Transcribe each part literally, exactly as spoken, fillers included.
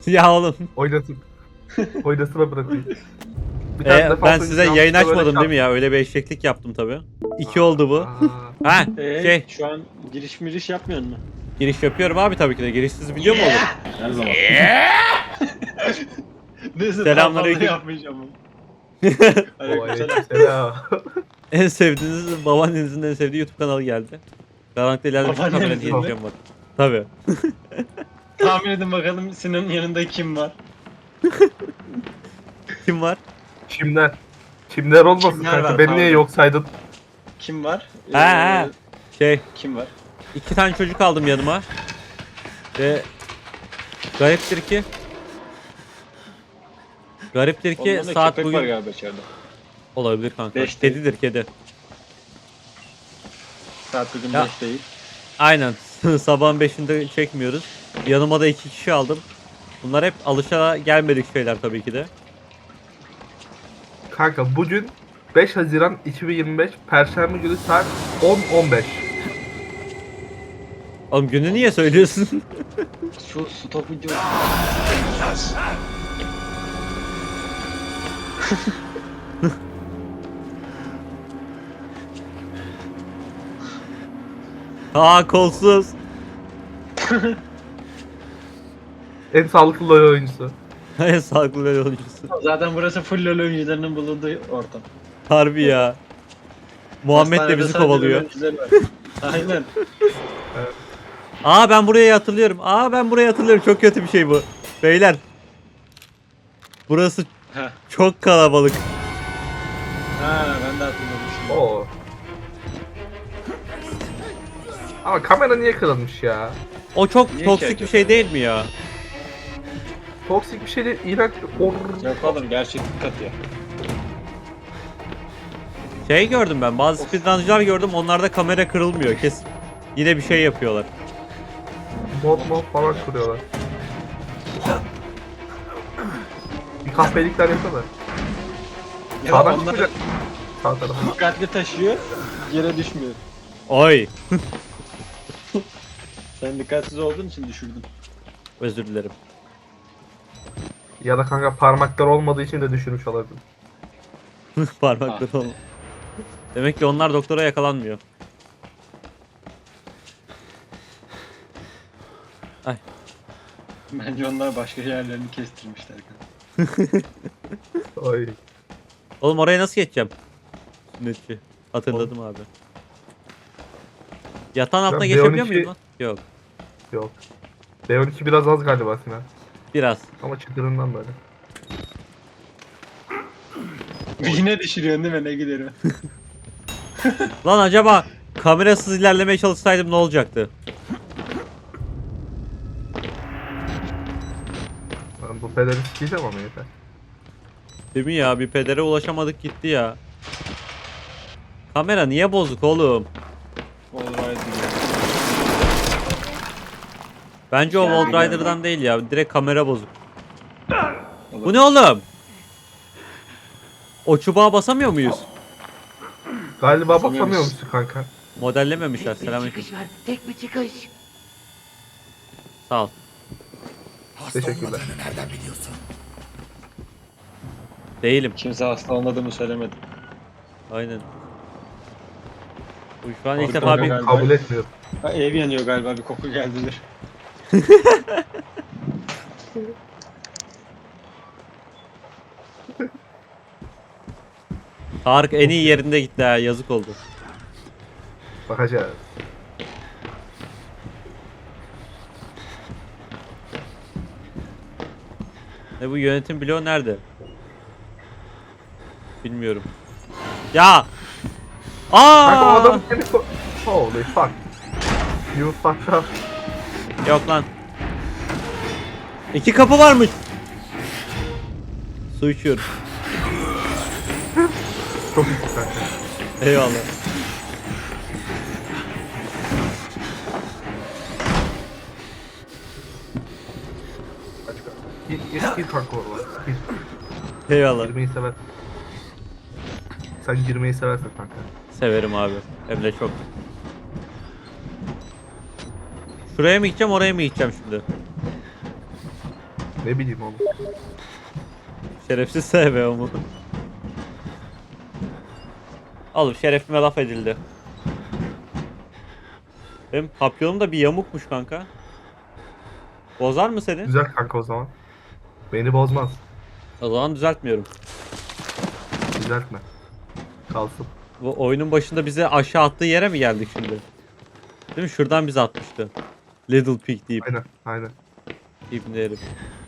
Ya oğlum. Oynasın. Oynasına bırakayım. Bir Ee, tane defans ben oyuncusu size yayın yanlışlıkla böyle açmadım değil mi çarptı. ya? Öyle bir eşeklik yaptım tabi. İki oldu bu. Aa, Ha Ee, şey şu an giriş miriş yapmıyor mu? giriş yapıyorum abi tabii ki de. Girişsiz video mu olur? Her zaman. Neyse Selamünaleyküm. daha fazla yapmayacağım. o Aleykümselam. aleykümselam. En sevdiğiniz babaannenizin en sevdiği YouTube kanalı geldi. Karanlıkta ileride bir Babaannenizin kamera mi? diyeceğim bak. Tabii. Tahmin edin bakalım Sinan'ın yanında kim var? Kim var? Çimler. Çimler olmasın Çimler kanka. var, Beni pardon. niye yok saydın? Kim var? Ee, Ha ha. Şey Kim var? iki tane çocuk aldım yanıma. Ve gariptir ki Gariptir ki Onların da saat köpek var bugün galiba içeride. olabilir kanka. Beş değil. Kedidir kedi. Saat bugün Ya. beş değil. Aynen. Sabahın beşinde çekmiyoruz. Yanıma da iki kişi aldım. Bunlar hep alışa gelmedik şeyler tabii ki de. Kanka bugün beş Haziran iki bin yirmi beş Perşembe günü saat on on beş. Oğlum günü niye söylüyorsun? Şu stop video. Aa kolsuz. En sağlıklı LoL oyuncusu. En sağlıklı böyle oyuncusu. Zaten burası full LoL oyuncularının bulunduğu ortam. Harbi ya. Muhammed de Hastanede bizi sadece kovalıyor. LoL oyuncuları var. Aynen. Aa ben burayı hatırlıyorum. Aa ben burayı hatırlıyorum. Çok kötü bir şey bu. Beyler. Burası Heh. çok kalabalık. Ha ben de hatırladım şimdi. Oo. Ama kamera niye kırılmış ya? O çok Niye toksik ki bir şey değil mi ya? Toksik bir şey değil, iğrenç bir or. Yok oğlum gerçeklik katıyor. Şey gördüm ben. Bazı speedruncılar gördüm. Onlarda kamera kırılmıyor. Kes. Yine bir şey yapıyorlar. Mod mod falan kuruyorlar. Bir kahpelikler yapıyorlar. Ya Sağdan onlar çıkacak. Sağ tarafa. dikkatli taşıyor, yere düşmüyor. Oy. Sen dikkatsiz olduğun için düşürdün. Özür dilerim. Ya da kanka parmaklar olmadığı için de düşürmüş olabilir. Parmakları Ah. olma. Demek ki onlar doktora yakalanmıyor. Ay. Bence onlar başka yerlerini kestirmişler. Oy. Oğlum oraya nasıl geçeceğim? Sünnetçi. Hatırladım abi. Yatağın altına Ben geçebiliyor B on iki muyum lan? Yok. Yok. B on iki biraz az galiba Sinan. Biraz. Ama çıtırından böyle. Yine düşürüyorsun değil mi? Ne giderim. Lan acaba kamerasız ilerlemeye çalışsaydım ne olacaktı? Ben bu pederi sikeceğim ama yeter. Değil mi ya? Bir pedere ulaşamadık gitti ya. Kamera niye bozuk oğlum? Alright. Bence o Yani Wall Rider'dan değil ya. Direkt kamera bozuk. Olur. Bu ne oğlum? O çubuğa basamıyor muyuz? Galiba Basamıyoruz. basamıyor musun kanka? Modellememişler. Tek bir Selamünaleyküm. çıkış var. Tek bir çıkış. Sağ ol. Teşekkürler. Değilim. Kimse hasta olmadığımı söylemedi. Aynen. Bu şu an ilk Abi, defa bir... galiba. Kabul etmiyorum. Ha, ev yanıyor galiba, bir koku geldidir. Tarık en iyi yerinde gitti ha. Yazık oldu. Bakacağız. Ne bu yönetim bloğu nerede? Bilmiyorum. Ya! Kanka o Aa! adam seni ko- Holy fuck. You fucked up. Yok lan. İki kapı varmış. Su içiyorum. Çok iyi kanka. Eyvallah. Aç kanka. Gir, gir, gir kanka oraya. Gir. Eyvallah. Girmeyi sever. Sen girmeyi seversin kanka. Severim abi. Hem de çok. Şuraya mı gideceğim, oraya mı gideceğim şimdi? Ne bileyim oğlum. Şerefsiz S B O mu? Oğlum şerefime laf edildi. Benim papyonum da bir yamukmuş kanka. Bozar mı seni? Güzel kanka o zaman. Beni bozmaz. O zaman düzeltmiyorum. Düzeltme. Kalsın. Bu oyunun başında bize aşağı attığı yere mi geldik şimdi? Değil mi? Şuradan bizi atmıştı. Little Pig deyip. Aynen aynen. İbni herif.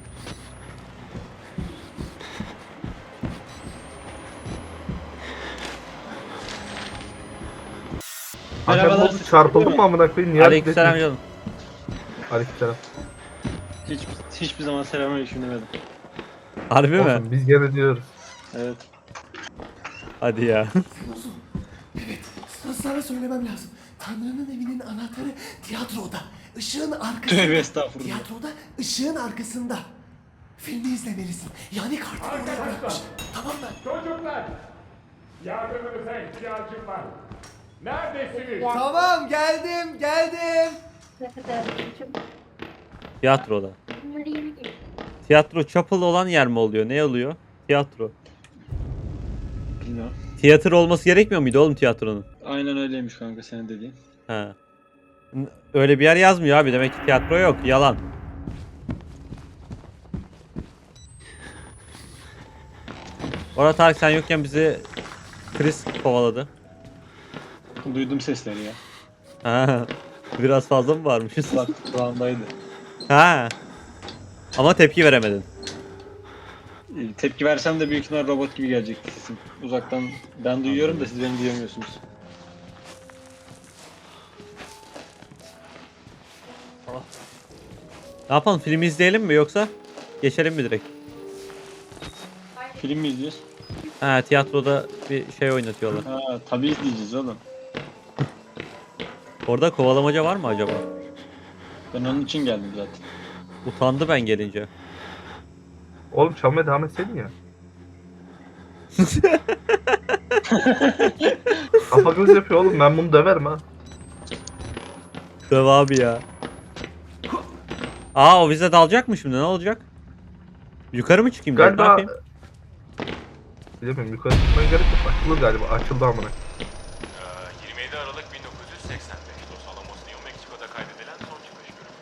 Kanka ne Merhabalar, oldu? siz Çarpıldın değil mı mi? amına koyayım? Niye Aleykümselam hareket canım. etmiyorsun? Aleykümselam. Hiç, hiçbir zaman selamünaleyküm demedim. Harbi mi? Olsun biz gene diyoruz. Evet. Hadi ya. Evet, sana söylemem lazım. Tanrı'nın evinin anahtarı tiyatroda. Işığın arkasında. Tövbe estağfurullah. Tiyatroda ışığın arkasında. Filmi izlemelisin. Yani kartını oraya bırakmış. Tamam mı? Çocuklar! Yardımınıza ihtiyacım var. Neredesiniz? Tamam, geldim, geldim. Ne kadar çok Tiyatroda. bunları yeni geliyor. Tiyatro chapel olan yer mi oluyor? Ne oluyor? Tiyatro. Bilmiyorum. Tiyatro olması gerekmiyor muydu oğlum tiyatronun? Aynen öyleymiş kanka senin dediğin. Ha. N- Öyle bir yer yazmıyor abi. Demek ki tiyatro yok. Yalan. Orada Tarık sen yokken bizi Chris kovaladı. Duydum sesleri ya. Ha. Biraz fazla mı varmışız? Kulak kulağımdaydı. Ha. Ama tepki veremedin. Ee, Tepki versem de büyük ihtimal robot gibi gelecekti sesim. Uzaktan ben duyuyorum da siz beni duyamıyorsunuz. Ne yapalım? Filmi izleyelim mi yoksa geçelim mi direkt? Film mi izliyoruz? Ha, tiyatroda bir şey oynatıyorlar. Ha tabii izleyeceğiz oğlum. Orada kovalamaca var mı acaba? Ben onun için geldim zaten. Utandı ben gelince. Oğlum çalmaya devam etseydin ya. Kafa göz yapıyor oğlum. Ben bunu döverim ha. Döv abi ya. Aa o bize dalacak mı şimdi? Ne olacak? Yukarı mı çıkayım? ben? Ne Galiba... yapayım? Bilemiyorum yukarı çıkmaya gerek yok. Açılır galiba. Açıldı amına. Ee, yirmi yedi Aralık bin dokuz yüz seksen beş Los Alamos, New Mexico'da kaydedilen son çıkış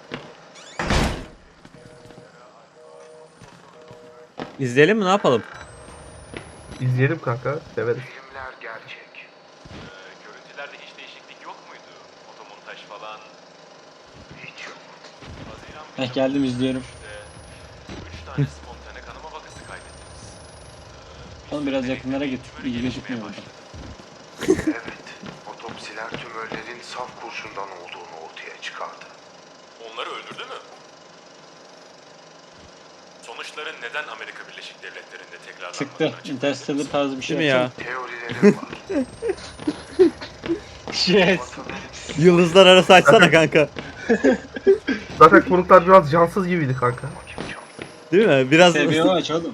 görüntüsü. İzleyelim mi? Ne yapalım? İzleyelim kanka. Severiz. Filmler gerçek. Ee, görüntülerde hiç değişiklik yok muydu? Fotomontaj falan. Hiç yok. Haziran Heh geldim izliyorum. üç tane spontane kanama vakası kaydettiniz. Oğlum biraz yakınlara git. Tümörü İyi gelişmeye gözükmüyor burada. başladı. Evet. Otopsiler tümörlerin saf kurşundan olduğunu ortaya çıkardı. Onları öldürdü mü? Sonuçları neden Amerika Birleşik Devletleri'nde tekrarlanmadan Çıktı. açıklandı? Interstellar tarzı bir şey Değil mi ya? yapacağım. Teorilerim var. Yes. Vatanın Yıldızlar arası açsana kanka. Zaten konuklar biraz cansız gibiydi kanka. Değil mi? Biraz Seviyorum aç oğlum.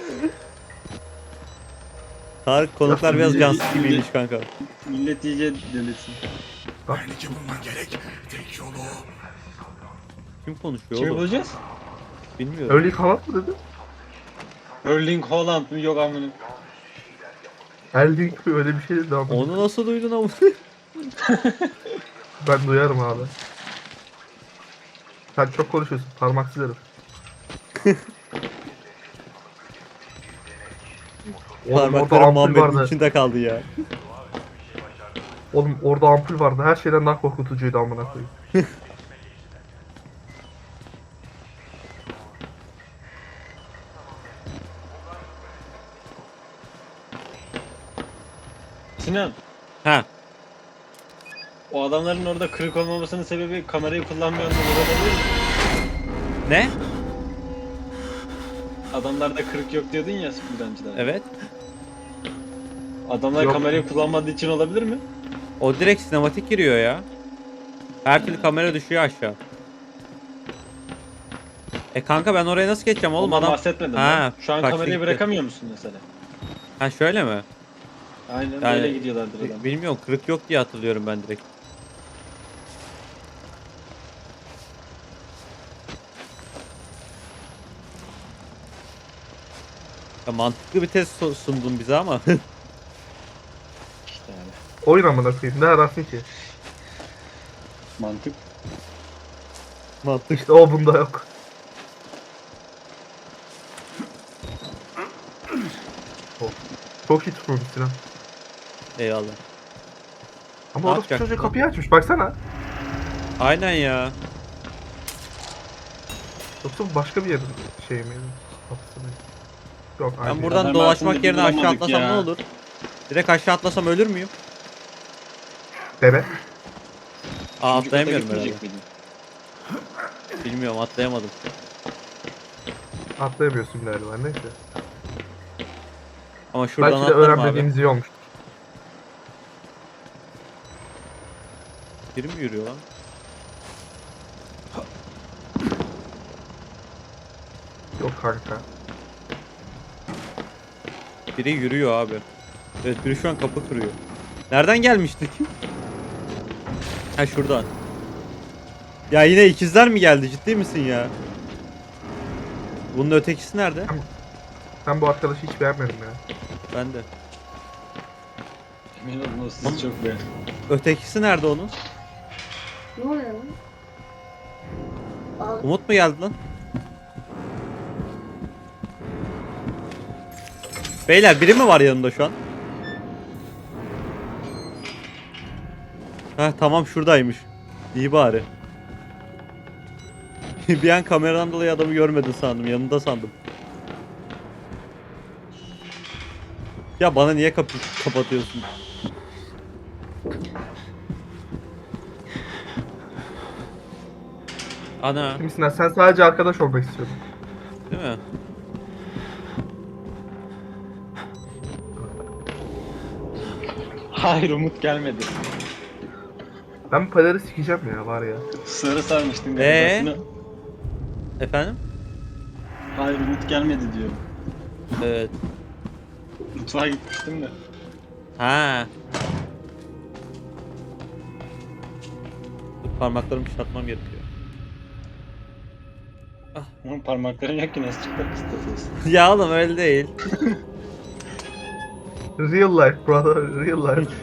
Tarık konuklar biraz cansız gibiymiş kanka. Millet iyice delirsin. Aynıcı bulman gerek. Tek yolu. Kim konuşuyor Kimi oğlum? bulacağız? Bilmiyorum. Öyle kanat mı dedi? Erling Haaland mı? Yok amına. Erling mi öyle bir şey dedi ama. Onu nasıl duydun ama? Ben duyarım abi. Sen çok konuşuyorsun. Parmaksız herif. Oğlum orada Parmaklarım ampul Muhammed'in vardı. içinde kaldı ya. Oğlum orada ampul vardı. Her şeyden daha korkutucuydu amına koyayım. Sinan. Ha. O adamların orada kırık olmamasının sebebi kamerayı kullanmıyor olabilir mi? Ne? Adamlarda kırık yok diyordun ya bir önceden. Evet. Adamlar Yok. kamerayı kullanmadığı için olabilir mi? O direkt sinematik giriyor ya. Her türlü kamera düşüyor aşağı. E kanka ben oraya nasıl geçeceğim oğlum Ondan adam? bahsetmedim Ha, ben. Şu an kaçtı kamerayı gitti. bırakamıyor musun mesela? Ha şöyle mi? Aynen Yani- böyle gidiyorlardır adam. Bi- Bilmiyorum kırık yok diye hatırlıyorum ben direkt. Ya mantıklı bir test so- sundun bize ama. İşte yani. Oyun amına koyayım. Ne ararsın ki? Mantık. Mantık. İşte o bunda yok. Oh. Çok iyi tutmuş Sinan. Eyvallah. Ama Ne orası yapacaksın çocuğu lan? kapıyı açmış baksana. Aynen ya. Yoksa bu başka bir yerin şey mi? Kapısı mı? Yok Ben aynı. buradan Adam dolaşmak aslında yerine aşağı bulamadık atlasam ya. ne olur? Direkt aşağı atlasam ölür müyüm? Deve. Aa Üçüncü kata atlayamıyorum herhalde. gitmeyecek miydin? Bilmiyorum atlayamadım. Atlayamıyorsun galiba neyse. Ama şuradan Belki de atlarım abi. öğrenmediğimiz iyi olmuş. Biri mi yürüyor lan? Yok kanka. Biri yürüyor abi. Evet biri şu an kapı kırıyor. Nereden gelmiştik? Ha şuradan. Ya yine ikizler mi geldi? Ciddi misin ya? Bunun ötekisi nerede? Ben bu arkadaşı hiç beğenmedim ya. Ben de. Emin olun o sizi çok beğen. Ötekisi nerede onun? Ne oluyor lan? Al. Umut mu geldi lan? Beyler biri mi var yanımda şu an? Heh tamam şuradaymış. İyi bari. Bir an kameradan dolayı adamı görmedin sandım. Yanında sandım. Ya bana niye kapı kapatıyorsun? Ana, Kimsin sen sadece arkadaş olmak istiyordun. değil mi? Hayır Umut gelmedi. Ben bu pederi sikeceğim ya var ya. Sarı sarmıştın Ee? galiba. Efendim? Hayır Umut gelmedi diyor. Evet. Mutfağa gitmiştim de. Ha. Dur, parmaklarımı çatmam gerekiyor. Ama parmakların yok ki nasıl çıkmak istiyorsun? Ya oğlum öyle değil. Real life brother, real life.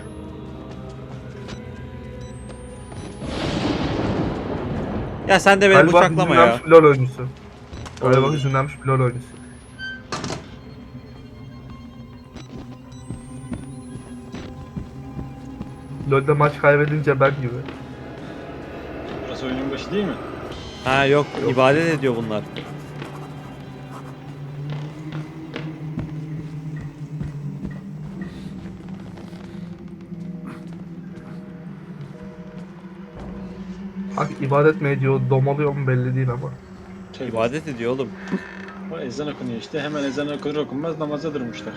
Ya sen de beni Galiba bıçaklama ya. hüzünlenmiş bir LoL oyuncusu. Galiba Olabilir. hüzünlenmiş bir LoL oyuncusu. LoL'de maç kaybedince ben gibi. Burası oyunun başı değil mi? Ha yok, ibadet ediyor bunlar. Bak ibadet mi ediyor, domalıyor mu belli değil ama. Şey, İbadet ediyor oğlum. o ezan okunuyor işte. Hemen ezan okunur okunmaz namaza durmuşlar.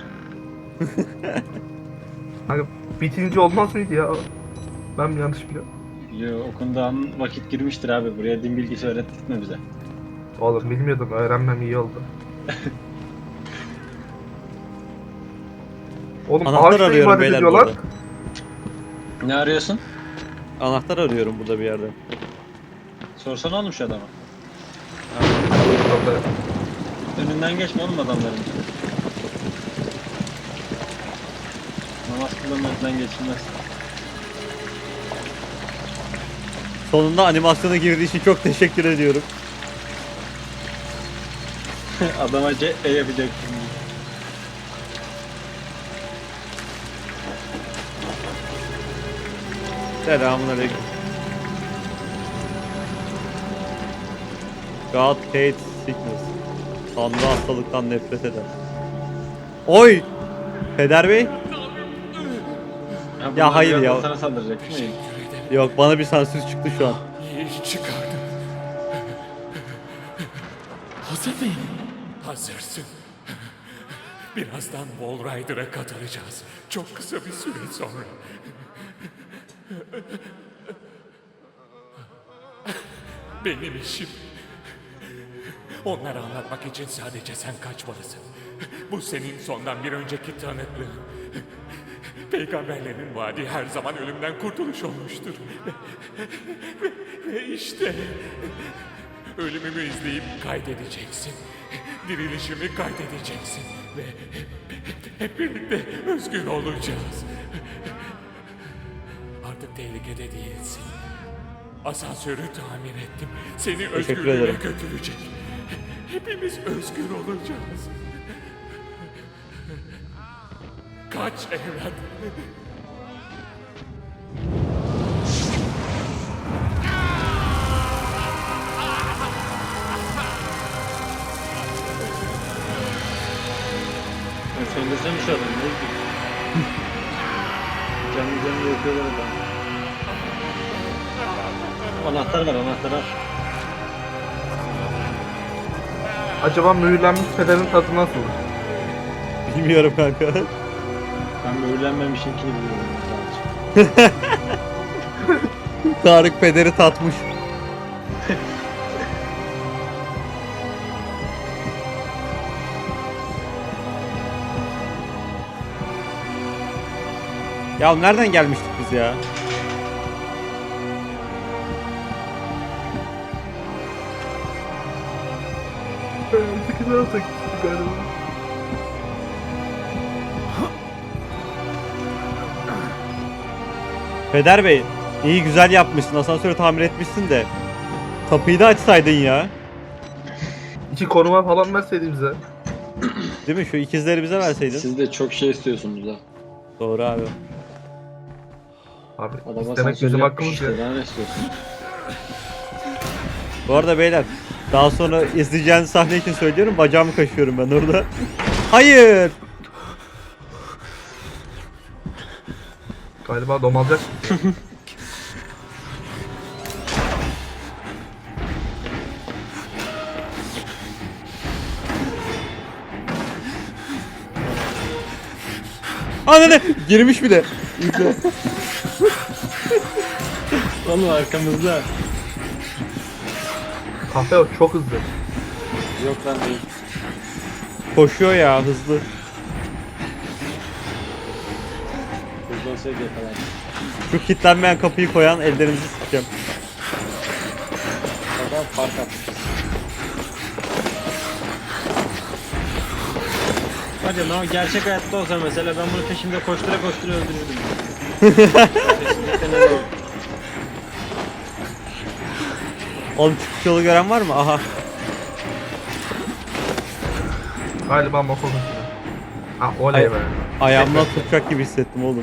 Hani bitince olmaz mıydı ya? Ben mi yanlış biliyorum? Yo okunduğu an vakit girmiştir abi. Buraya din bilgisi öğrettirtme bize. Oğlum bilmiyordum, öğrenmem iyi oldu. Oğlum Anahtar ağaçla arıyorum ibadet beyler ediyorlar. burada. Ne arıyorsun? Anahtar arıyorum burada bir yerde. Sorsana oğlum şu adama. Orada. Önünden geçme oğlum adamların. Namaz kılınmaktan geçilmez. Sonunda animasyona girdiği için çok teşekkür ediyorum. Adama C E yapacaktım. Selamünaleyküm. God hates sickness. Tanrı hastalıktan nefret eder. Oy! Peder Bey? bunlar hayır birazdan ya. Sana saldıracak değil mi? Yok bana bir sansür çıktı şu an. İyi çıkardım. Hazır mıyım? Hazırsın. Birazdan Wall Rider'a katılacağız. Çok kısa bir süre sonra. Benim işim. Onlara anlatmak için sadece sen kaçmalısın. Bu senin sondan bir önceki tanıklığın. Peygamberlerin vaadi her zaman ölümden kurtuluş olmuştur. Ve, ve işte ölümümü izleyip kaydedeceksin. dirilişimi kaydedeceksin ve hep birlikte özgür olacağız. Artık tehlikede değilsin. Asansörü tamir ettim. Seni özgürlüğe ederim. götürecek. Hepimiz özgür olacağız. Kaç evlat. Ben söndürsem şu adamı. Ne bileyim. Kendi kendine yapıyorlar adam. Anahtar var, anahtar var. Acaba mühürlenmiş pederin tadı nasıl? Bilmiyorum kanka. Ben mühürlenmemişinkini biliyorum. Sadece. Tarık pederi tatmış. Ya nereden gelmiştik biz ya? Sıkıntı alsak galiba. Peder Bey, iyi güzel yapmışsın. Asansörü tamir etmişsin de. Kapıyı da açsaydın ya. İki konuma falan verseydin bize. Değil mi? Şu ikizleri bize verseydin. Siz de çok şey istiyorsunuz ha. Doğru abi. Abi Adama istemek sansür bizim yapmış hakkımız ya. işte. Daha ne istiyorsun? Bu arada beyler, daha sonra izleyeceğiniz sahne için söylüyorum. Bacağımı kaşıyorum ben orada. Hayır. Galiba domalacak. Anne girmiş bile. İzle. Oğlum arkamızda. Kahve o çok hızlı. Yok lan değil. Koşuyor ya hızlı. Hızlı olsaydı yakalar. Şu kilitlenmeyen kapıyı koyan ellerinizi sıkacağım. Adam fark atmış. Hadi lan gerçek hayatta olsa mesela ben bunu peşimde koştura koştura öldürürdüm. Kesinlikle ne olur. Oğlum çıkış yolu gören var mı? Aha. Galiba motor hızlı. Ha oley Ay- be. Ayağımdan tutacak gibi hissettim oğlum.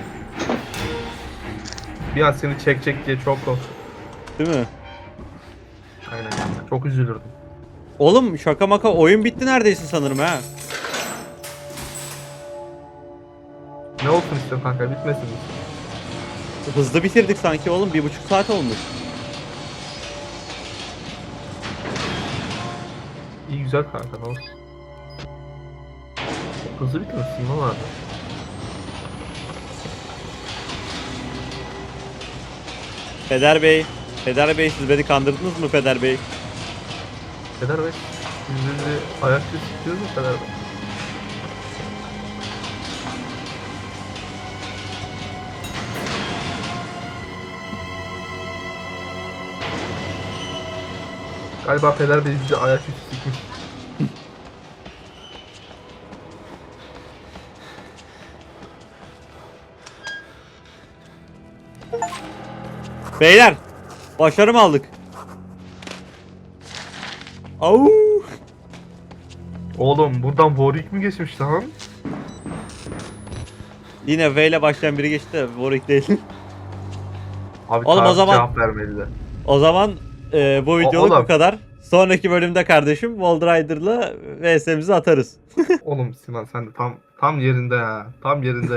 Bir an seni çekecek diye çok korktum. Değil mi? Aynen. Çok üzülürdüm. Oğlum şaka maka oyun bitti neredeyse sanırım ha. Ne olsun istiyorsun kanka bitmesin mi? Hızlı bitirdik sanki oğlum. Bir buçuk saat olmuş. İyi güzel kanka ne olsun. Çok hızlı bitmesin ne vardı? Peder Bey. Peder Bey siz beni kandırdınız mı Peder Bey? Peder Bey. Biz bizi ayakta tutuyoruz mu Peder Bey? Galiba Peder Bey bizi ayaküstü sıkmış. Beyler. Başarı mı aldık? Au. Oğlum buradan Warwick mi geçmiş lan? Yine V ile başlayan biri geçti de Warwick değil. Abi Oğlum, o Tarık zaman- cevap vermedi de. O zaman e, bu videoluk oğlum. bu kadar. Sonraki bölümde kardeşim Wall Rider'la V S'mizi atarız. Oğlum Sinan sen de tam tam yerinde ya. Tam yerinde